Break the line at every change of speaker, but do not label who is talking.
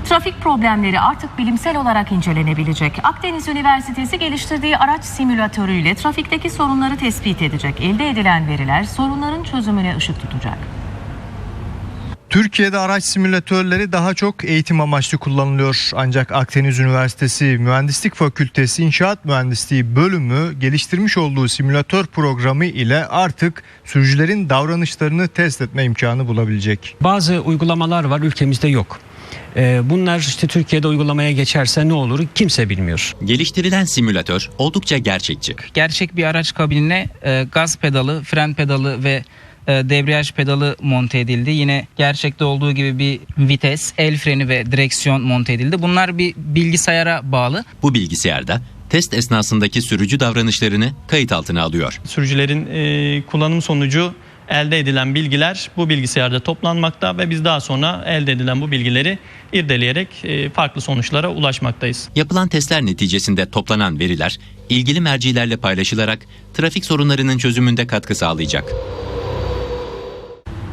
Trafik problemleri artık bilimsel olarak incelenebilecek. Akdeniz Üniversitesi geliştirdiği araç simülatörüyle trafikteki sorunları tespit edecek. Elde edilen veriler sorunların çözümüne ışık tutacak.
Türkiye'de araç simülatörleri daha çok eğitim amaçlı kullanılıyor. Ancak Akdeniz Üniversitesi Mühendislik Fakültesi İnşaat Mühendisliği bölümü geliştirmiş olduğu simülatör programı ile artık sürücülerin davranışlarını test etme imkanı bulabilecek.
Bazı uygulamalar var, ülkemizde yok. Bunlar işte Türkiye'de uygulamaya geçerse ne olur kimse bilmiyor.
Geliştirilen simülatör oldukça gerçekçi.
Gerçek bir araç kabinine gaz pedalı, fren pedalı ve debriyaj pedalı monte edildi. Yine gerçekte olduğu gibi bir vites, el freni ve direksiyon monte edildi. Bunlar bir bilgisayara bağlı.
Bu bilgisayarda test esnasındaki sürücü davranışlarını kayıt altına alıyor.
Sürücülerin kullanım sonucu elde edilen bilgiler bu bilgisayarda toplanmakta ve biz daha sonra elde edilen bu bilgileri irdeleyerek farklı sonuçlara ulaşmaktayız.
Yapılan testler neticesinde toplanan veriler ilgili mercilerle paylaşılarak trafik sorunlarının çözümünde katkı sağlayacak.